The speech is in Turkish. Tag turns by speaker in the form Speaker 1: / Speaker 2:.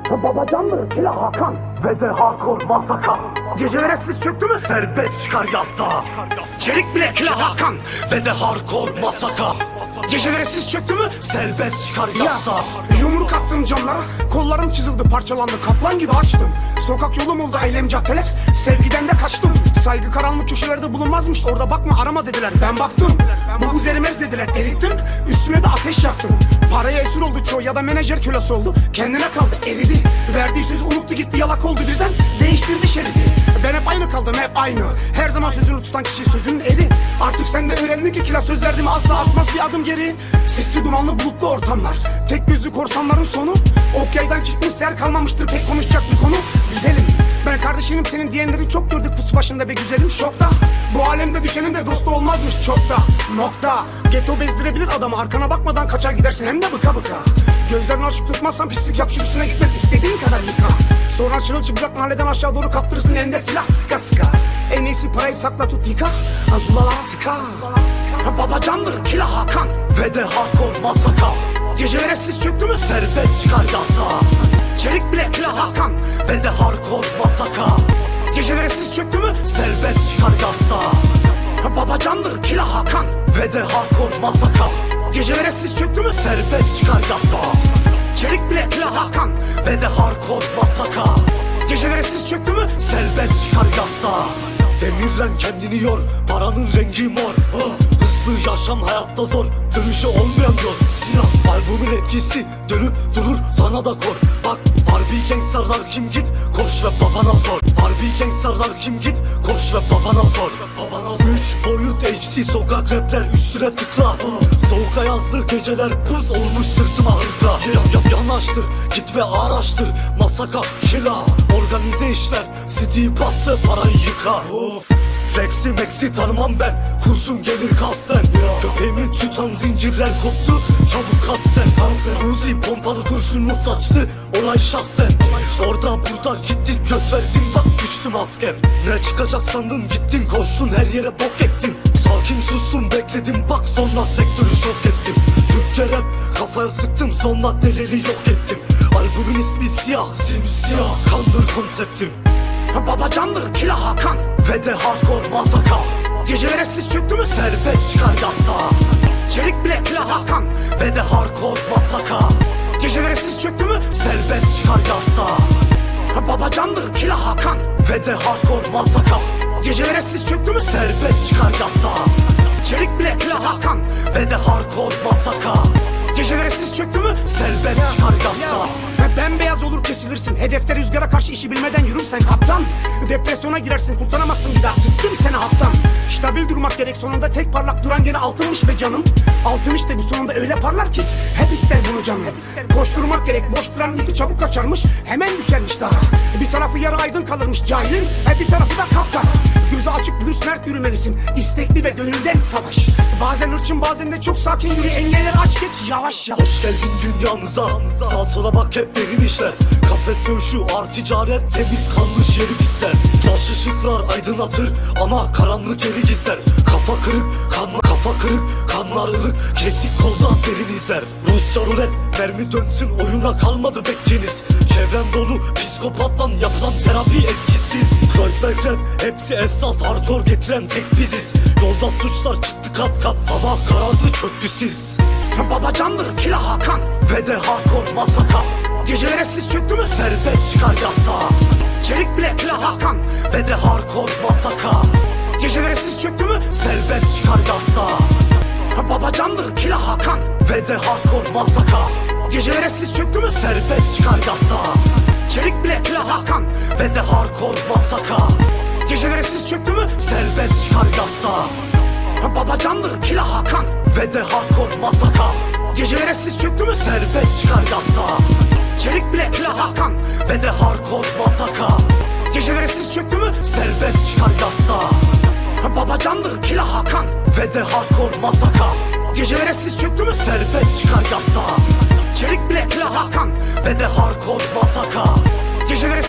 Speaker 1: Babacandır Kila Hakan
Speaker 2: Ve de hardcore masaka.
Speaker 1: Gecelere sis çöktü mü?
Speaker 2: Serbest çıkar yasa.
Speaker 1: Çelik bile Kila Hakan
Speaker 2: Ve de hardcore masaka.
Speaker 1: Gecelere sis çöktü mü?
Speaker 2: Serbest çıkar yasa.
Speaker 1: Yumruk attım camlara, kollarım çizildi, parçalandı, kaplan gibi açtım. Sokak yolum oldu eylem caddeler, sevgiden de kaçtım. Saygı karanlık köşelerde bulunmazmış, orada bakma arama dediler. Ben baktım, bu buz erimez dediler, erittim. Üstüne de ateş yaktım. Paraya esir oldu çoğu ya da menajer kölesi oldu. Kendine kaldı, eridi. Verdiği sözü unuttu gitti, yalak oldu birden. Değiştirdi şeridi. Ben hep aynı kaldım, hep aynı. Her zaman sözünü tutan kişi sözünün eri. Artık sen de öğrendin ki kila söz verdiğimi asla atmaz bir adım geri. Sesli dumanlı bulutlu ortamlar, tek gözlü korsanların sonu. Ok yaydan çıkmış yer kalmamıştır pek konuşacak bir konu. Güzelim, ben kardeşinim senin diyenleri çok gördük pusu başında be güzelim şokta. Bu alemde düşenin de dostu olmazmış çok da. Nokta. Getto bezdirebilir adamı, arkana bakmadan kaçar gidersin hem de bıka bıka. Gözlerini açık tutmazsan pislik yap üstüne gitmez, istediğin kadar yıka. Sonra çırılçıplak mahalleden aşağı doğru kaptırırsın elinde silah sıka sıka. En iyisi parayı sakla tut yıka, azulalara tıka. Babacandır Kila Hakan
Speaker 2: Ve de hardcore masaka.
Speaker 1: Gecelere sis çöktü mü?
Speaker 2: Serbest çıkar yasa.
Speaker 1: Çelik bile Kila Hakan
Speaker 2: Ve de hardcore masaka.
Speaker 1: Gecelere sis çöktü mü?
Speaker 2: Serbest çıkar yasa.
Speaker 1: Babacandır Kila Hakan
Speaker 2: Ve de hardcore masaka.
Speaker 1: Gecelere sis çöktü mü?
Speaker 2: Serbest çıkar yasa.
Speaker 1: Çelik bile Kila Hakan
Speaker 2: Ve de hardcore masaka.
Speaker 1: Gecelere sis çöktü mü?
Speaker 2: Serbest çıkar yasa. Demirlen kendini yor, paranın rengi mor. Hızlı yaşam hayatta zor, dönüşü olmayan yol. Siyah albümün etkisi dönüp durur, sana da kor. Bak Barbie gangsterlar kim git, koş ve babana sor. Barbie gangsterlar kim git, koş ve babana sor. Üç boyut HD sokak rapler üstüne tıkla. Soğuk ayazlı geceler buz olmuş sırtıma hırka. Yanaştır git ve araştır, masaka kila. Organize işler city bası parayı yıka. Flexi maxi tanımam ben, kurşun gelir kalsen. Köpeğimi tutan zincirler koptu, çabuk kat sen. Uzi pompalı kurşunu saçtı, olay şahsen. Orada burada gittin göt verdin, bak düştüm asker. Ne çıkacak sandın gittin koştun, her yere bok ektin. Sakin sustum bekledim, bak sonra sektörü şok ettim. Türkçe rap kafaya sıktım, sonra delili yok ettim. Albümün ismi siyah, simsiyah, kandır konseptim.
Speaker 1: Babacandır Kila Hakan
Speaker 2: Ve de hardcore masaka.
Speaker 1: Gecelere sis çöktü mü?
Speaker 2: Serbest çıkar yasa.
Speaker 1: Çelik bile Kila Hakan
Speaker 2: Ve de hardcore masaka.
Speaker 1: Gecelere sis çöktü mü?
Speaker 2: Serbest çıkar yasa.
Speaker 1: Babacandır Kila Hakan
Speaker 2: Ve de hardcore masaka.
Speaker 1: Gecelere sis çöktü mü?
Speaker 2: Serbest çıkar yasa.
Speaker 1: Çelik bile Kila Hakan
Speaker 2: Ve de hardcore masaka.
Speaker 1: Gecelere sis çöktü mü?
Speaker 2: Serbest çıkar yasa.
Speaker 1: Bembeyaz olur kesilirsin, hedefte rüzgara karşı işi bilmeden yürürsen kaptan. Depresyona girersin, kurtaramazsın bir daha, sıktım seni haptan. Stabil durmak gerek, sonunda tek parlak duran gene altınmış be canım. Altın işte bu sonunda öyle parlar ki hep ister bunu canım. Koşturmak gerek, boş duran ipi çabuk kaçarmış, hemen düşermiş daha. Bir tarafı yarı aydın kalırmış cahilin, bir tarafı da kapkara. Gözü açık dürüst mert yürümelisin, istekli ve gönülden savaş. Bazen hırçın bazen de çok sakin yürü, engelleri aç geç yavaş yavaş.
Speaker 2: Hoş geldin dünyamıza, sağ sola bak hep derin işler. Kafes dövüşü, art ticaret, temiz kanlı yeri pisler. Flash ışıklar aydınlatır ama karanlık yeri gizler. Kafa kırık, kafa kırık, kanlı arılık, kesik kolda derin izler. Rusça rulet, mermi dönsün oyuna kalmadı bekçiniz. Çevrem dolu, psikopattan yapılan terapi etkisiz. Kreuzberg rap, hepsi esas, hardcore getiren tek biziz. Yolda suçlar çıktı kat kat, hava karardı çöktü siz.
Speaker 1: Babacandır Kila Hakan
Speaker 2: Ve de hardcore masaka.
Speaker 1: Gecelere sis çöktü mü?
Speaker 2: Serbest çıkar yasa.
Speaker 1: Çelik bile Kila Hakan
Speaker 2: Ve de hardcore masaka.
Speaker 1: Gecelere sis çöktü mü?
Speaker 2: Serbest çıkar yasa.
Speaker 1: Babacandır Kila Hakan
Speaker 2: Ve de hardcore masaka.
Speaker 1: Gecelere sis çöktü mü?
Speaker 2: Serbest çıkar yasa.
Speaker 1: Çelik bile Kila Hakan
Speaker 2: Ve de hardcore masaka.
Speaker 1: Gecelere sis çöktü mü?
Speaker 2: Serbest çıkar yasa.
Speaker 1: Babacandır Kila Hakan
Speaker 2: Ve de hardcore masaka.
Speaker 1: Gecelere sis çöktü mü?
Speaker 2: Serbest çıkar yasa.
Speaker 1: Çelik bile Kila Hakan
Speaker 2: Ve de hardcore masaka.
Speaker 1: Gecelere sis çöktü mü?
Speaker 2: Serbest çıkar yasa.
Speaker 1: Babacandır Kila Hakan
Speaker 2: Ve de hardcore masaka.
Speaker 1: Gecelere sis çöktü mü?
Speaker 2: Serbest çıkar yasa.
Speaker 1: Çelik bile Kila Hakan
Speaker 2: Ve de hardcore masaka.
Speaker 1: Gecelere